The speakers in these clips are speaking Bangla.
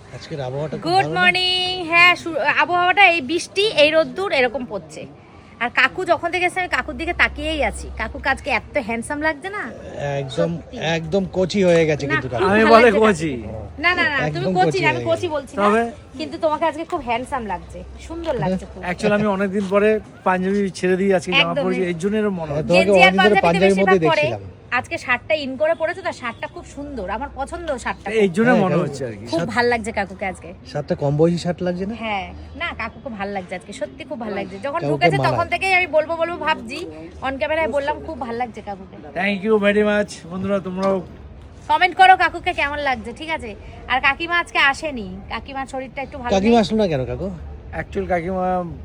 আজকের আবহাওয়াটা গুড মর্নিং। হ্যাঁ, আবহাওয়াটা এই বৃষ্টি, এই রোদ্দুর এরকম পড়ছে। আর কাকু যখন থেকে এসে আমি কাকুর দিকে তাকিয়েই আছি। কাকু আজকে এত হ্যান্ডসাম লাগছে না, একদম একদম কোচি হয়ে গেছে কিন্তু কাকু। আমি বলে কোচি না না না, তুমি একদম কোচি কোচি না, আমি হয়ে কোচি বলছি না, কিন্তু তোমাকে আজকে খুব হ্যান্ডসাম লাগছে, সুন্দর লাগছে খুব। অ্যাকচুয়ালি আমি অনেকদিন পরে পাঞ্জাবি ছেড়ে দিয়ে আজকে জামা একদমই। পরেছি, এর জন্য এর মনে হয়। তোমাকে গেঞ্জি আর অনেকদিন ধরে পাঞ্জাবিতে পাঞ্জাবির বেশিরভাগ মধ্যেই পরে। দেখছিলাম। আজকে শার্টটা ইন করে পরেছো, তো শার্টটা খুব সুন্দর, আমার পছন্দ শার্টটা। এই জন্য হ্যাঁ, মনে কাকু। হচ্ছে আর কি। খুব ভাল লাগছে কাকুকে আজকে। শার্টটা কম বয়সী শার্ট লাগছে না? হ্যাঁ, না কাকুকে ভাল লাগছে আজকে, সত্যি খুব ভাল লাগছে। যখন কাকুকে ঢুকেছে মানায়। তখন থেকেই আমি বলবো ভাবছি, অন ক্যামেরায় বললাম খুব ভাল লাগছে কাকুকে। থ্যাংক ইউ ভেরি মাচ বন্ধুরা, তোমরাও কমেন্ট করো কাকুকে কেমন লাগছে, ঠিক আছে? আর কাকিমা আজকে আসেনি, কাকিমার শরীরটা একটু ভালো কাকিমা নেই। আসলো না কেন কাকু? অ্যাকচুয়াল কাকিমা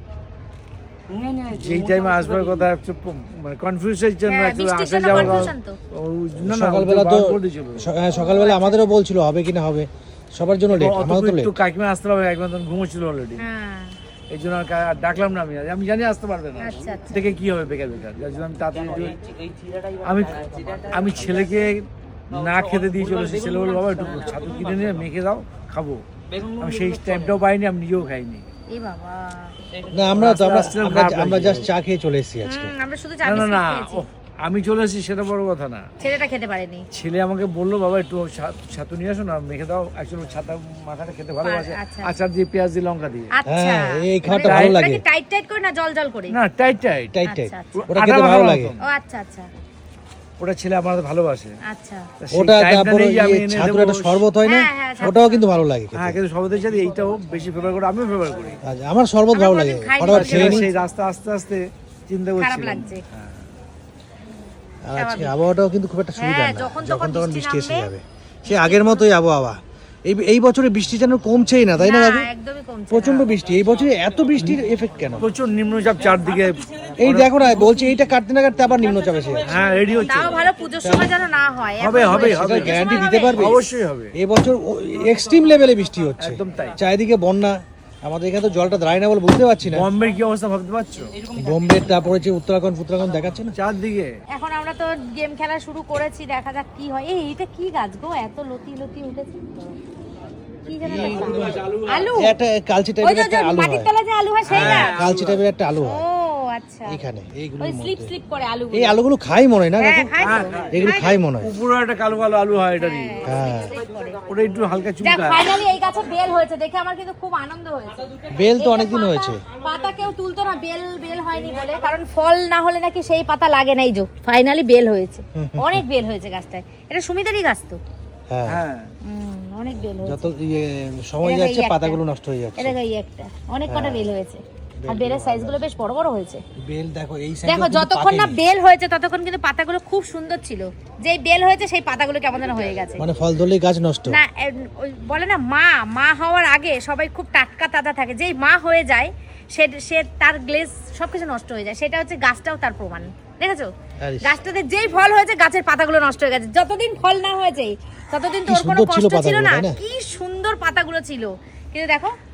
যেই টাইমে আসবার কথা একটু মানে কনফিউজের জন্য হ্যাঁ, একটু বৃষ্টির আসা জন্য যাওয়া confusion তো। না না সকালবেলা তো করে দিয়েছিল। সকালবেলা আমাদেরও বলছিল হবে কিনা হবে, সবার জন্য লেট, আমারও তো লেট। একটু কাকিমা আসতে পারবে, একবার তখন ঘুমোচ্ছিল অলরেডি, হ্যাঁ, এই জন্য আর ডাকলাম না। আমি জানি আসতে পারবে না, আচ্ছা, আচ্ছা। দেখে কি হবে বেকার বেকার, যার জন্য আমি তাড়াতাড়ি আমি আমি ছেলেকে না খেতে দিয়ে চলে এসেছি। ছেলে বললো বাবা একটু ছাতু কিনে নিয়ে মেখে দাও, খাবো। আমি সেই টাইমটাও পাইনি, আমি নিজেও খাইনি। এই বাবা, না আমরা তো আমরা আস্তে আস্তে ভাব আমরা লাগছে। জাস্ট চা খেয়ে চলে এসেছি আজকে। আমরা শুধু না না না, খেয়েছি। ওহ, আমি চলে এসেছি সেটা বড় কথা না। ছেলেটা খেতে পারেনি। ছেলে আমাকে বললো বাবা একটু ছাতু নিয়ে আসো না, মেখে দাও। অ্যাকচুয়ালি ছাতা মাখাটা খেতে ভালোবাসে, আচ্ছা। আচার দিয়ে পেঁয়াজ দিয়ে লঙ্কা দিয়ে। আচ্ছা, হ্যাঁ, এই খাওয়াটা মানে ভালো ওটা লাগে। কি টাইট টাইট করে না জল জল করে? না টাইট টাইট, টাইট টাইট, আচ্ছা, আচ্ছা। ওটা খেতে ভালো লাগে। ও আচ্ছা আচ্ছা ওটা ছেলে আমার ভালোবাসে। আচ্ছা। তা সেই ওটা টাইমটা তারপরে নেই যে আমি এনে ছাতুর দেবো। একটা শরবত হয় না, হ্যাঁ, হ্যাঁ, ওটাও কিন্তু ভালো লাগে হ্যাঁ, খেতে। কিন্তু সবাদের সাথে এইটাও বেশি ফেভার করে, আমিও ফেভার করি। আচ্ছা, আমার শরবত ভালো লাগে, কোনোদিন খাইনি ফটাফট বলতে খেয়ে নিই। সেই রাস্তা আস্তে আস্তে চিন্তা খারাপ করছিলাম। লাগছে। হ্যাঁ। আর আজকে আবহাওয়াটাও কিন্তু খুব একটা সুবিধা হ্যাঁ, না, যখন যখন তখন বৃষ্টি এসে নামবে। যাবে। সে আগের মতোই আবহাওয়া। এই বছরে বৃষ্টি যেন কমছেই না, তাই না কাকু? একদমই কমছে না। প্রচন্ড বৃষ্টি এই বছরে, এত বৃষ্টির এফেক্ট কেন? প্রচুর নিম্নচাপ চারদিকে। এই দেখো না, বলছি এইটা কাটতে না কাটতে আবার নিম্নচাপ এসে যাচ্ছে। হ্যাঁ রেডি হচ্ছে, তাও ভালো পুজোর সময় যেন না হয়। হবে, এখন হবে, হয়েছে। হবে। পুজোর গ্যারান্টি সময় দিতে হবে? পারবে? অবশ্যই হবে। এবছর এক্সট্রিম লেভেলে বৃষ্টি হচ্ছে, একদম তাই। চারিদিকে বন্যা। আমাদের এখানে তো জলটা দাঁড়ায় না বলে বুঝতে পারছি না। বম্বের কি অবস্থা ভাবতে পারছো? বোম্বে তারপরে যে উত্তরাখণ্ড দেখাচ্ছে না। চারদিকে এখন আমরা তো গেম খেলা শুরু করেছি, দেখা যাক কি হয়। এটা কি গাছ গো, এত লতি লতি উঠেছে? কি যেন একটা গাছ। আলু? একটা কালচি ওই টাইপের যে একটা আলু মাটির হয়, তলা যে আলু হয় সেই গাছ? কালচি টাইপের একটা আলু ও হয় আচ্ছা, এখানে এইগুলো। ওই স্লিপ স্লিপ করে আলু। এই আলুগুলো খাই মনে হয় না হ্যাঁ, কাকু? খাই তো। এগুলো খাই মনে হয়। উপরে একটা কালো কালো আলু হয় এটারই, হ্যাঁ, স্লিপ করে। ওটা একটু হালকা দেখ চুলকা। ফাইনালি এই গাছে বেল হয়েছে, দেখে আমার কিন্তু খুব আনন্দ হয়েছে। বেল তো এই যে অনেকদিন পাতা- হয়েছে। পাতা কেউ তুলতো না, বেল হয়নি বলে, কারণ ফল না হলে নাকি সেই পাতা লাগে না। এই যে ফাইনালি বেল হয়েছে, অনেক বেল হয়েছে গাছটায়। এটা সুমিতারই গাছ তো। হ্যাঁ, হ্যাঁ অনেক বেল হয়েছে। যত সময় এটা যাচ্ছে এই একটা। পাতাগুলো নষ্ট হয়ে যাচ্ছে। এটা এই একটা, অনেক কটা বেল হয়েছে। আর বেলের সাইজগুলো বেশ বড় বড় হয়েছে। বেল দেখো এই সাইডে দেখো যতক্ষণ না বেল হয়েছে ততক্ষণ কিন্তু পাতাগুলো খুব সুন্দর ছিল। যেই বেল হয়েছে সেই পাতাগুলো কেমন যেন হয়ে গেছে। মানে ফল ধরলেই গাছ নষ্ট। না ওই বলে না, মা হওয়ার আগে সবাই খুব টাটকা তাজা থাকে, যেই মা হয়ে যায় সে তার গ্লেজ সবকিছু নষ্ট হয়ে যায়। সেটা হচ্ছে গাছটাও তার প্রমাণ, দেখেছো? আরে গাছটাতে যেই ফল হয়েছে গাছের পাতাগুলো নষ্ট হয়ে গেছে। যতদিন ফল না হয়েছে ততদিন কি তোর কোনো সুন্দর ছিল কষ্ট ছিল পাতাগুলো, না, তাই না? কি সুন্দর পাতাগুলো ছিল। কিন্তু দেখো